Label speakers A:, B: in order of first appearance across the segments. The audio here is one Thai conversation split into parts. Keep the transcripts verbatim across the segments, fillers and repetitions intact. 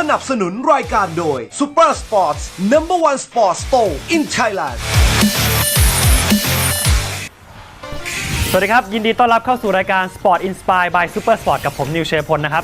A: นับสนุนรายการโดย Super Sports Number One Sports Store in Thailand
B: สวัสดีครับยินดีต้อนรับเข้าสู่รายการ Sport Inspire by Super Sport กับผมนิวเชยพลนะครับ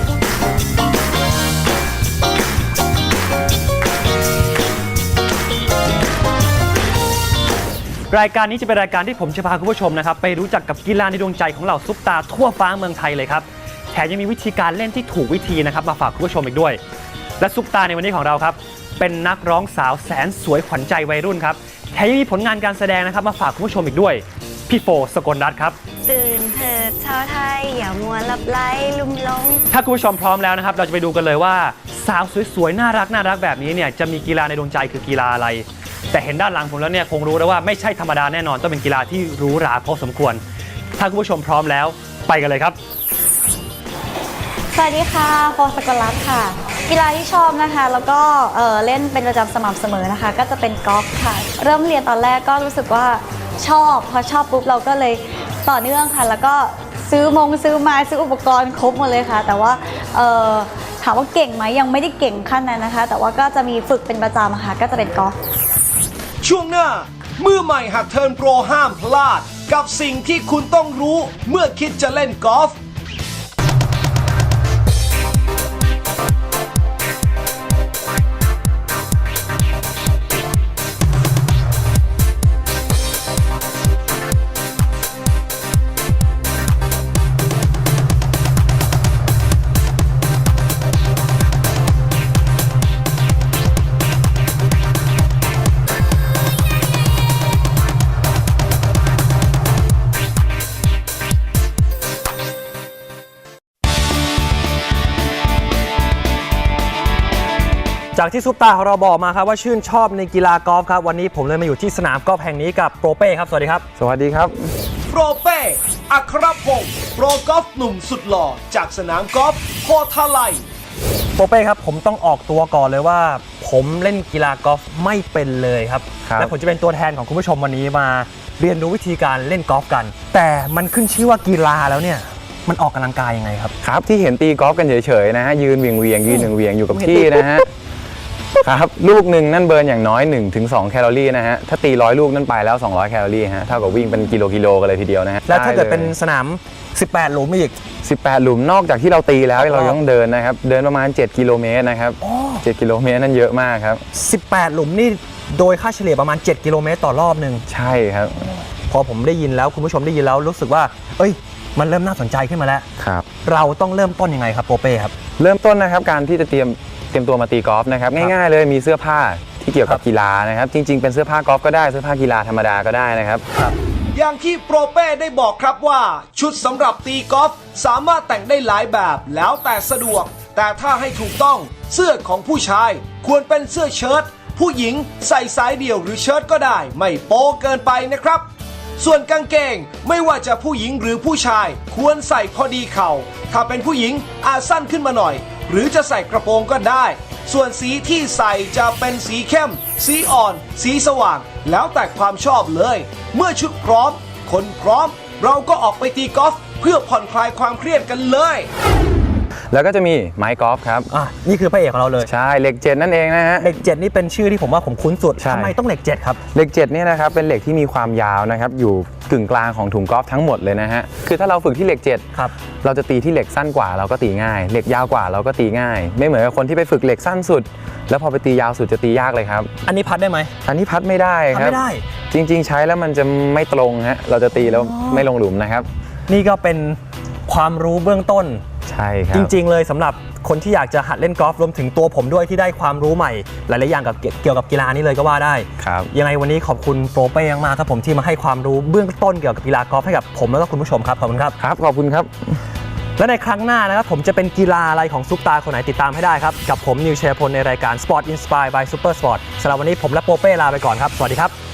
B: รายการนี้จะเป็นรายการที่ผมจะพาคุณผู้ชมนะครับไปรู้จักกับกีฬาในดวงใจของเหล่าซุปตาทั่วฟ้าเมืองไทยเลยครับแถมยังมีวิธีการเล่นที่ถูกวิธีนะครับมาฝากคุณผู้ชมอีกด้วยและซุปตาในวันนี้ของเราครับเป็นนักร้องสาวแสนสวยขวัญใจวัยรุ่นครับแถมยังมีผลงานการแสดงนะครับมาฝากคุณผู้ชมอีกด้วยพี่โฟสกลรัตน์ครับ
C: ตื่นเถิดชาวไทยอย่ามัวหลับไหลลุ่มหลง
B: ถ้าคุณผู้ชมพร้อมแล้วนะครับเราจะไปดูกันเลยว่าสาวสวยๆน่ารักน่ารักแบบนี้เนี่ยจะมีกีฬาในดวงใจคือกีฬาอะไรแต่เห็นด้านหลังผมแล้วเนี่ยคงรู้แล้วว่าไม่ใช่ธรรมดาแน่นอนต้องเป็นกีฬาที่หรูหราพอสมควรถ้าคุณผู้ชมพร้อมแล้วไปกันเลยครับ
C: สวัสดีค่ะโฟสกลรัตน์ค่ะกีฬาที่ชอบนะคะแล้วก็เอ่อเล่นเป็นประจำสม่ำเสมอนะคะก็จะเป็นกอล์ฟค่ะเริ่มเรียนตอนแรกก็รู้สึกว่าชอบพอชอบปุ๊บเราก็เลยต่อเนื่องค่ะแล้วก็ซื้อมงซื้อไม้ซื้ออุปกรณ์ครบหมดเลยค่ะแต่ว่าเอ่อถามว่าเก่งไหมยังไม่ได้เก่งขั้นนั้นนะคะแต่ว่าก็จะมีฝึกเป็นประจำค่ะก็จะเป็นกอล์ฟ
A: ช่วงหน้ามือใหม่หัดเทิร์นโปรห้ามพลาดกับสิ่งที่คุณต้องรู้เมื่อคิดจะเล่นกอล์ฟ
B: จากที่ซุปตาของเราบอกมาครับว่าชื่นชอบในกีฬากอล์ฟครับวันนี้ผมเลยมาอยู่ที่สนามกอล์ฟแห่งนี้กับโปรเป้ครับสวัสดีครับ
D: สวัสดีครับ
A: โปรเป้อัครพงศ์โปรกอล์ฟหนุ่มสุดหล่อจากสนามกอล์ฟโพธาไล
B: โปรเป้ครับผมต้องออกตัวก่อนเลยว่าผมเล่นกีฬากอล์ฟไม่เป็นเลยครับและผมจะเป็นตัวแทนของคุณผู้ชมวันนี้มาเรียนรู้วิธีการเล่นกอล์ฟกันแต่มันขึ้นชื่อว่ากีฬาแล้วเนี่ยมันออกกำลังกายยังไงครับ
D: ครับที่เห็นตีกอล์ฟกันเฉยๆนะฮะยืนเวียงเวียงยืนหนึ่งเวียงอยู่กับที่นะฮะครับลูกหนึ่งนั่นเบิร์นอย่างน้อย หนึ่งถึงสอง แคลอรี่นะฮะถ้าตีร้อยลูกนั่นไปแล้วสองร้อยแคลอรี่ฮะเท่ากับวิ่งเป็นกิโลกิโลกันเลยทีเดียวนะฮะ
B: แล้วถ้าเกิดเป็นสนามสิบแปดหลุมอีก
D: สิบแปดหลุมนอกจากที่เราตีแล้วเราต้องเดินนะครับเดินประมาณเจ็ดกิโลเมตรนะครับเจ็ดกิโลเมตรนั่นเยอะมากครับ
B: สิบแปดหลุมนี่โดยค่าเฉลี่ยประมาณเจ็ดกิโลเมตรต่อรอบนึง
D: ใช่ครับ
B: พอผมได้ยินแล้วคุณผู้ชมได้ยินแล้วรู้สึกว่าเอ้ยมันเริ่มน่าสนใจขึ้นมาแล้ว
D: ครับ
B: เราต้องเริ่มต้นยังไงครับโปรเป้ครับ
D: เริ่มต้นนะครับการที่จะเตรียมเตรียมตัวมาตีกอล์ฟนะครับง่ายๆเลยมีเสื้อผ้าที่เกี่ยวกับกีฬานะครับจริงๆเป็นเสื้อผ้ากอล์ฟก็ได้เสื้อผ้ากีฬาธรรมดาก็ได้นะครับ
A: อย่างที่โปรเป้ได้บอกครับว่าชุดสำหรับตีกอล์ฟสามารถแต่งได้หลายแบบแล้วแต่สะดวกแต่ถ้าให้ถูกต้องเสื้อของผู้ชายควรเป็นเสื้อเชิ้ตผู้หญิงใส่สายเดี่ยวหรือเชิ้ตก็ได้ไม่โป๊เกินไปนะครับส่วนกางเกงไม่ว่าจะผู้หญิงหรือผู้ชายควรใส่พอดีเข่าถ้าเป็นผู้หญิงอาจสั้นขึ้นมาหน่อยหรือจะใส่กระโปรงก็ได้ส่วนสีที่ใส่จะเป็นสีเข้มสีอ่อนสีสว่างแล้วแต่ความชอบเลยเมื่อชุดพร้อมคนพร้อมเราก็ออกไปตีกอล์ฟเพื่อผ่อนคลายความเครียดกันเลย
D: แล้วก็จะมีไม้กอล์ฟครับ
B: อ่ะนี่คือพระเอกของเราเลย
D: ใช่เหล็กเจ็ดนั่นเองนะฮะ
B: เหล็กเจ็ดนี่เป็นชื่อที่ผมว่าผมคุ้นสุดทำไมต้องเหล็กเจ็ดครับ
D: เหล็กเจ็ดเนี่ยนะครับเป็นเหล็กที่มีความยาวนะครับอยู่กึ่งกลางของถุงกอล์ฟทั้งหมดเลยนะฮะคือถ้าเราฝึกที่เหล็กเจ็ด
B: ครับ
D: เราจะตีที่เหล็กสั้นกว่าเราก็ตีง่ายเหล็กยาวกว่าเราก็ตีง่ายไม่เหมือนกับคนที่ไปฝึกเหล็กสั้นสุดแล้วพอไปตียาวสุดจะตียากเลยครับ
B: อันนี้พัดได้ไหม
D: อันนี้พัดไม่ได้ครับ
B: ไม่ได้
D: จริงๆใช้แล้วมันจะไม่ตรงฮะเราจะตีแล้วไม่ลงหลุมนะครับ
B: นี่ก็เป็นความรู้เบื้องต้น
D: ใช่ครับ
B: จริงๆเลยสำหรับคนที่อยากจะหัดเล่นกอล์ฟรวมถึงตัวผมด้วยที่ได้ความรู้ใหม่หลายๆอย่างกับเกี่ยวกับกีฬานี้เลยก็ว่าได้
D: ครับ
B: ยังไงวันนี้ขอบคุณโปรเป้มากๆครับผมที่มาให้ความรู้เบื้องต้นเกี่ยวกับกีฬากอล์ฟให้กับผมแล้วก็คุณผู้ชมครับขอบคุณครับ
D: ครับขอบคุณครับ
B: และในครั้งหน้านะครับผมจะเป็นกีฬาอะไรของซุปตาคนไหนติดตามให้ได้ครับกับผมนิวเชยพลในรายการ Sport Inspire by Super Sport สำหรับวันนี้ผมและโปรเป้ลาไปก่อนครับสวัสดีครับ